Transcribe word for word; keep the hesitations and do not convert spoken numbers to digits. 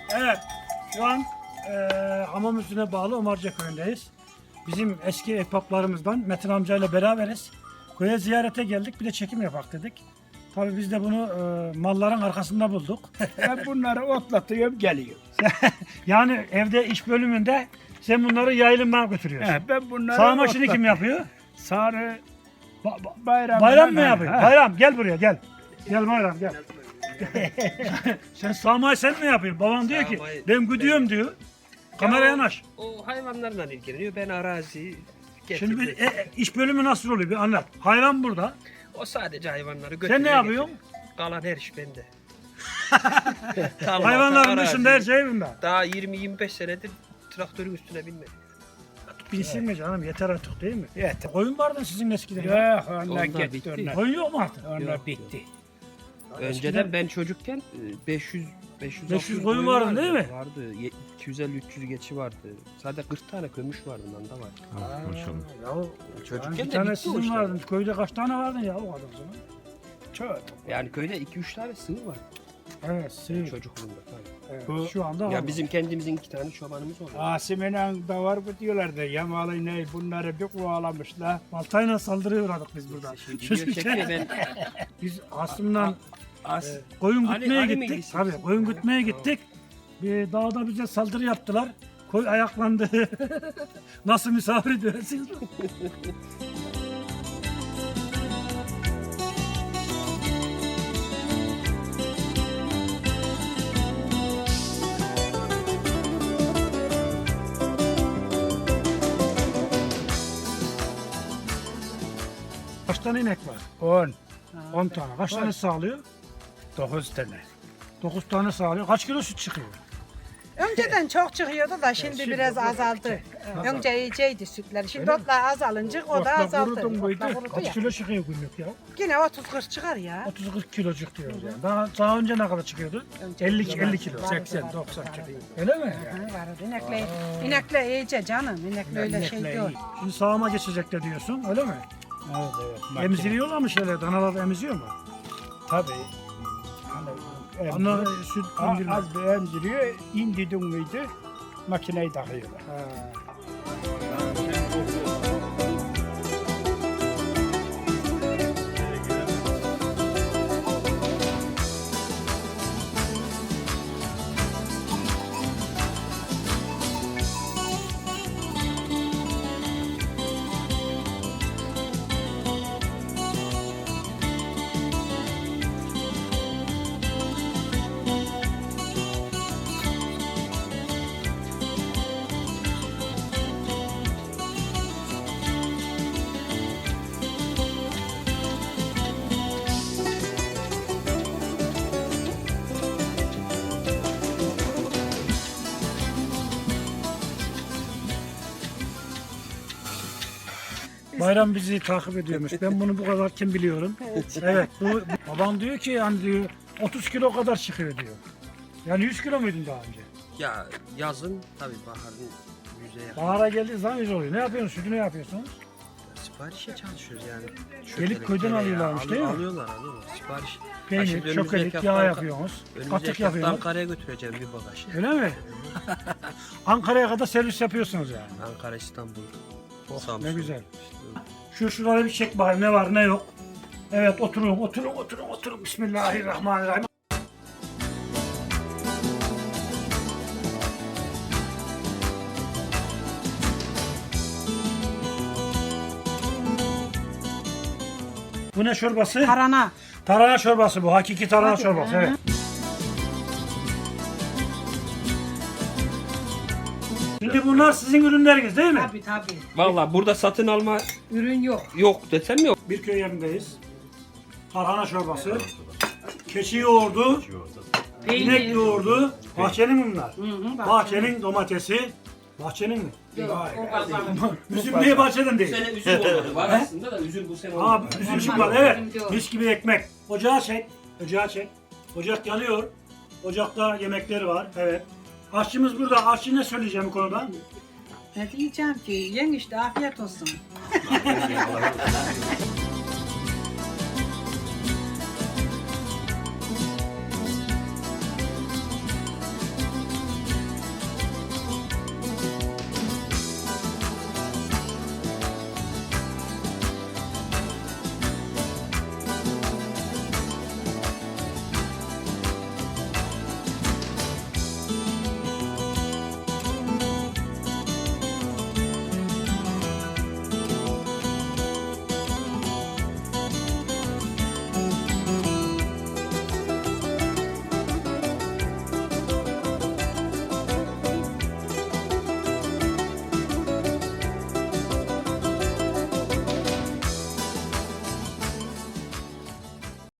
Evet, şu an e, Hamamüstü'ne bağlı Omarca köyündeyiz. Bizim eski ekpaplarımızdan Metin amcayla beraberiz. Köye ziyarete geldik, bir de çekim yapak dedik. Tabii biz de bunu e, malların arkasında bulduk. Ben bunları otlatıyorum, geliyor. Yani evde iş bölümünde sen bunları yaylımdan götürüyorsun. He, ben bunları Sağma işini kim otlatıyorum. yapıyor? Sarı Ba- ba- bayram. Bayram mı yapıyor? Bayram gel buraya gel. Gel Bayram gel. Sen sağmayı sen mi yapıyorsun? Baban diyor ki Sağmayı ben gidiyorum diyor. Kameraya Ya yanaş. O hayvanlarla ilgileniyor. Ben arazi getirdim. Şimdi bir, e, iş bölümü nasıl oluyor bir anlat. Hayvan burada. O sadece hayvanları götürüyor. Sen ne yapıyorsun? getiriyor. Kalan her iş bende. Tarlada, Hayvanların arazi. dışında her şey bunda. Daha yirmi yirmi beş senedir traktörün üstüne binmedim. Bilsin mi canım yeter artık değil mi? Evet. Koyun vardı sizin eskiden. ya. Yok, onlar Onlar gitti. bitti. Onlar, Koyun yok mu artık? onlar Yok, bitti. Önceden ben çocukken e, beş yüz beş yüz, beş yüz altı yüz koyun vardı değil mi? Vardı. Ye- iki yüz elli üç yüz geçi vardı. Sadece kırk tane kömüş vardı bunda var. Ya, Çocukken yani de bir tane bitti o sizin işler. vardı. Köyde kaç tane vardı ya o kadar zaman? Çok. Yani köyde iki üç tane sığır var. Evet, sığır. Çocukluğumda tabii. Evet, Bu- şu anda var. Ya bizim kendimizin iki tane çobanımız oldu. Asime'nin da var bu diyorlardı. Yamalı ne bunları bir kovalamışlar. baltayla saldırıya uğradık biz burada. Şimdi Şu- video çekiyor ben. Biz Asım'dan As e, koyun Ali- gütmeye Ali mi gittik. gitsin? Tabii koyun gütmeye gittik. Bir dağda bize saldırı yaptılar. Koy ayaklandı. Nasıl misafir ediyorsunuz? Kaç tane inek var? on. on tane. Kaç tane sağlıyor? dokuz tane. dokuz tane sağlıyor. Kaç kilo süt çıkıyor? Önceden çok çıkıyordu da şimdi biraz azaldı. Önce iyiceydi sütler. Şimdi otlar azalınca o da Otla azaldı. kurudun muydu? Otla kurudu Kaç ya. kilo çıkıyor günlük ya? Yine otuz kırk çıkar ya. otuz kırk kilocuk diyoruz yani. Daha, daha önce ne kadar çıkıyordu? Önce elli, kilo elli var. kilo. Var, seksen var, doksan var. kilo. Öyle mi? Hı, var. İnekle, inekle iyice canım. İnekle öyle şey İnekle değil. iyi. Şimdi sağıma geçecek de diyorsun öyle mi? Evet evet. makine. Emziriyorlar mı şeyler? Danalar da emziyor mu? Tabii. Hani, Onlar emziriyor. süt A- emzirmez. Az bir emziriyor. İndidin miydi? Makineyi takıyorlar. Ha. Bayram bizi takip ediyormuş. Ben bunu bu kadar kim biliyorum. Evet. Bu, bu- babam diyor ki yani diyor otuz kilo kadar çıkıyor diyor. Yani yüz kilo muydun daha önce? Ya yazın tabii baharın yüzeye yakın. Bahara geldiği zaman yüz oluyor. Ne yapıyorsunuz? Sütü ne yapıyorsunuz? Siparişe çalışıyoruz yani. Gelip köyden tereyağı alıyorlarmış, alıyor- değil mi? Alıyorlar alıyorlar. Sipariş. Ha, Peynir, şimdi önümüzdeki çökelik, hafta yağ Anka- yapıyorsunuz. Önümüzdeki Katık hafta yapıyorsunuz. Ankara'ya götüreceğim bir bagaj. Öyle mi? Ankara'ya kadar servis yapıyorsunuz yani. Ankara, İstanbul, Oh, Samsun. ne güzel. İşte Şu şurada bir çek bakayım ne var ne yok. Evet oturun oturun oturun oturun. Bismillahirrahmanirrahim. Bu ne çorbası? Tarana. Tarhana çorbası bu. Hakiki tarhana çorbası. Evet. Şimdi bunlar sizin ürünleriniz değil mi? Tabii tabii. Valla burada satın alma Ürün yok. yok desem yok. Bir köy yerindeyiz. Tarhana çorbası. Keçi yoğurdu. İnek yoğurdu. Bahçenin bunlar. Hı hı, Bahçenin domatesi. Bahçenin mi? Yok, o kazandı. Üzüm niye bahçeden değil? sene üzüm olmadı. Var aslında da üzüm bu sene Abi üzüm çıkmadı evet. Üzüm yok. Mis gibi ekmek. Ocağı çek. Ocağı çek. Ocak yanıyor. Ocakta yemekleri var. Evet. Aşçımız burada. Aşçı ne söyleyeceğim bu konuda? Ne diyeceğim ki? Yen işte afiyet olsun.